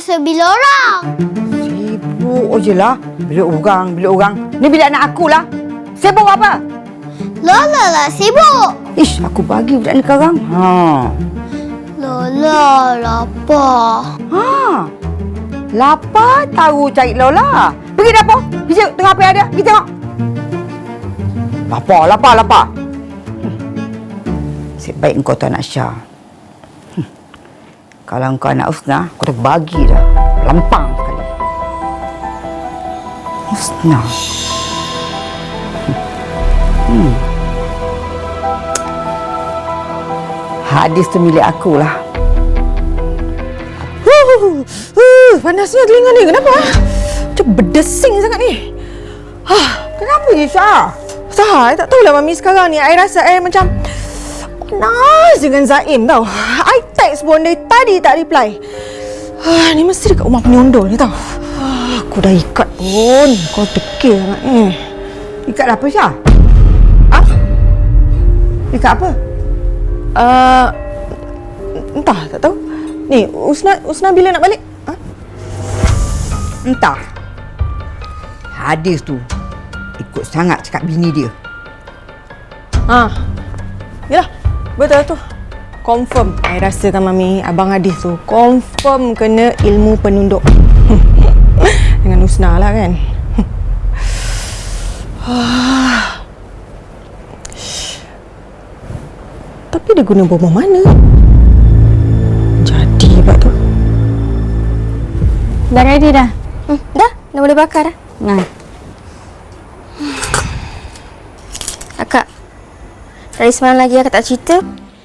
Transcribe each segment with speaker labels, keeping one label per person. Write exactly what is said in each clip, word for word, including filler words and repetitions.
Speaker 1: masa bila orang.
Speaker 2: Sibuk je lah. Bila orang, bila orang. Ni bila anak aku lah. Sibuk apa?
Speaker 1: Lola lah sibuk.
Speaker 2: Ish, aku bagi budak ni sekarang. Ha.
Speaker 1: Lola lapar.
Speaker 2: Ha. Lapar tahu cari Lola. Pergi dapur. Pergi tengah apa yang ada. Pergi tengok. Lapar, lapar, lapar. Hmm. Sebaik engkau tu anak Syah. Hmm. Kalau engkau anak Husna, aku dah bagi dah. Lampang sekali. Husna. Hmm. Hmm. Hadis tu milik aku lah.
Speaker 3: Uh, uh, panasnya telinga ni. Kenapa? Macam berdesing sangat ni.
Speaker 2: Hah, kenapa ni Syah?
Speaker 3: Sah, I tak tahulah Mami sekarang ni. I rasa I macam panas dengan Zaim tau. I text pun dari tadi tak reply. Ah, ni mesti dekat rumah penyondol ni tau. Ah, aku dah ikat pun. Kau dekil sangat eh.
Speaker 2: Ikat apa Syah?
Speaker 3: Ha?
Speaker 2: Ikat apa?
Speaker 3: Uh, entah, tak tahu. Ni, Usna, Usna bila nak balik? Ha?
Speaker 2: Entah. Hadis tu ikut sangat cakap bini dia.
Speaker 3: Ha. Yalah, betul tu. Confirm. I rasakan Mami, Abang Hadis tu confirm kena ilmu penunduk. Dengan Usna lah kan. Tapi dia guna bom mana? Jadi sebab tu.
Speaker 4: Dah ready dah? Hmm, dah? Dah boleh bakar dah?
Speaker 2: Nah.
Speaker 4: Akak, dari semalam lagi akak tak cerita.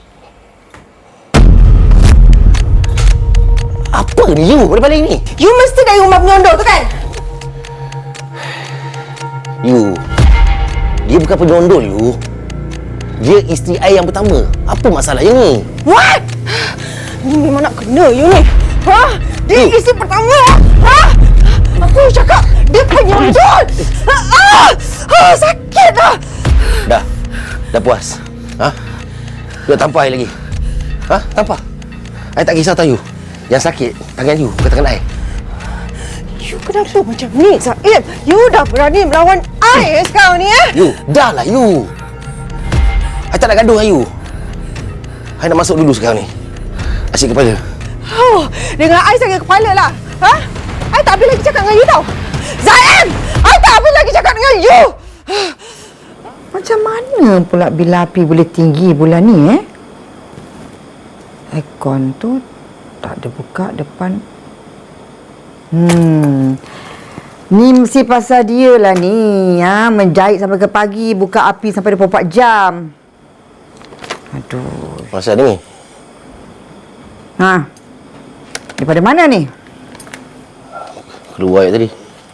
Speaker 5: Apa ni you balik ni?
Speaker 3: You mesti dari rumah penyondol tu kan?
Speaker 5: You, dia bukan penyondol you. Dia isteri I yang pertama. Apa masalahnya ni?
Speaker 3: What? Ni memang nak kena you ni. Ha? Dia
Speaker 5: You.
Speaker 3: isteri pertama. Ha? Aku cakap dia penyondol. Ah! Ah, sakit dah.
Speaker 5: Dah. Dah puas. Ha? You nak tampar I lagi? Ha? Tampar. I tak kisah tahu you. Yang sakit tangan you, bukan tangan I.
Speaker 3: You kenapa macam ni, Zaim? You dah berani melawan I sekarang ni, eh?
Speaker 5: You, dah lah you. I tak nak gaduh dengan you. I nak masuk dulu sekarang ni. Asyik kepala.
Speaker 3: Oh, dengan I sakit kepala lah. Ha? I tak habis lagi cakap dengan you tau. Zaim! I tak habis lagi cakap dengan you.
Speaker 2: Macam mana pula bila api boleh tinggi bulan ni eh? Aircon tu tak ada buka depan. Hmm. Ni mesti pasal dia lah ni. Ha? Menjahit sampai ke pagi, buka api sampai dua puluh empat jam. Aduh.
Speaker 5: Masa ni?
Speaker 2: Ha. Daripada mana ni?
Speaker 5: Keluar tadi.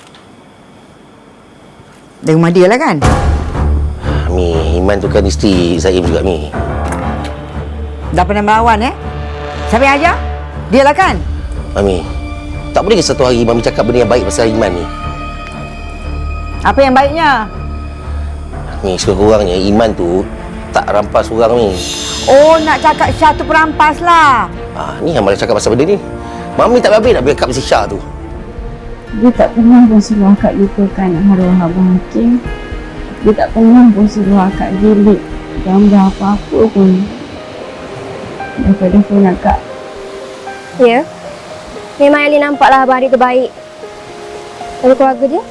Speaker 2: Dari rumah dia lah kan?
Speaker 5: Mi, Iman tu kan isteri Zaim juga, Mi.
Speaker 2: Dah pernah melawan eh? Siapa yang ajar? Dia lah kan?
Speaker 5: Mami, tak boleh ke satu hari Mami cakap benda yang baik pasal Iman ni?
Speaker 2: Apa yang baiknya?
Speaker 5: Mi, sekurang-kurangnya Iman tu tak rampas orang ni.
Speaker 2: Oh, nak cakap Syah tu perampas lah.
Speaker 5: Ah, ni yang malah cakap pasal benda ni. Mami tak habis nak backup si Syah tu.
Speaker 6: Dia tak pernah pun suruh akak lupakan arwah Abang Hakim. Dia tak pernah pun suruh akak delete gambar apa-apa pun daripada phone akak.
Speaker 4: Ya. Memang Ali nampaklah abang adik terbaik dari keluarga dia.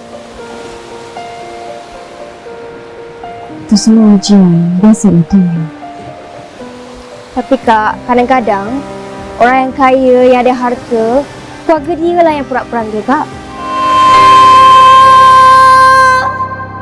Speaker 6: Itu semua ujian. Biasa itu.
Speaker 4: Tapi Kak, kadang-kadang orang yang kaya, yang ada harta, keluarga dia lah yang pura-pura dia, Kak.